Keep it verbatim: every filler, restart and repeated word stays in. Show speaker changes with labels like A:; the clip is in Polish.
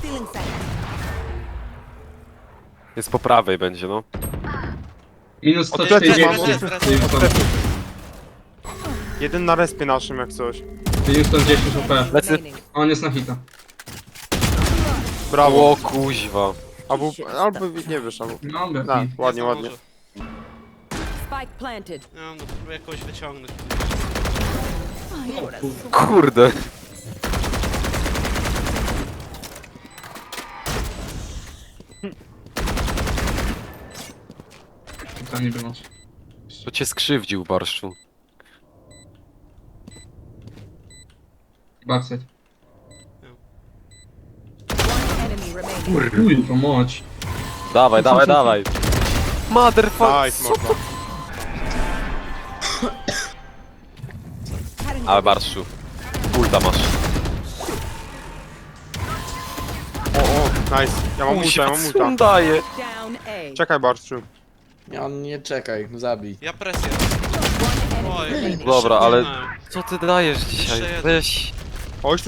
A: Stealing sight.
B: Jest po prawej będzie, no.
C: Minus sto
D: Odplecę,
C: czterdzieści.
D: mam Jeden na respie naszym jak coś.
C: Minus sto dziesięć O P.
B: Lecy.
A: Remaining.
C: On jest na hita.
D: Brawo.
B: O kuźwa.
D: Albo, albo nie wiesz, albo...
C: No,
D: No,
C: Befi.
D: ładnie,
E: Nie
D: ładnie.
E: zdążę.
A: Spike planted.
E: Nie wiem, no próbuję jakoś wyciągnąć.
B: Kurde.
C: Tam nie było.
B: To cię skrzywdził, Barszczu.
C: Backside.
A: Enemy remaining.
C: Uj, to moć.
B: Dawaj, dawaj, dawaj. Motherfucker.
D: Nice, mordo.
B: Ale Barszczu. Ulta masz.
D: O, o, nice. Ja mam ulta, ja mam
B: co on
D: ulta.
B: daje?
A: Down A.
D: Czekaj, Barszczu.
F: Nie, on nie czekaj, zabij.
E: Ja presję.
A: One enemy
E: Oj,
A: remaining.
B: Dobra, ale
E: nie.
B: co ty dajesz dzisiaj?
E: Jeszcze jeden.
B: Weź.
D: Chodź tu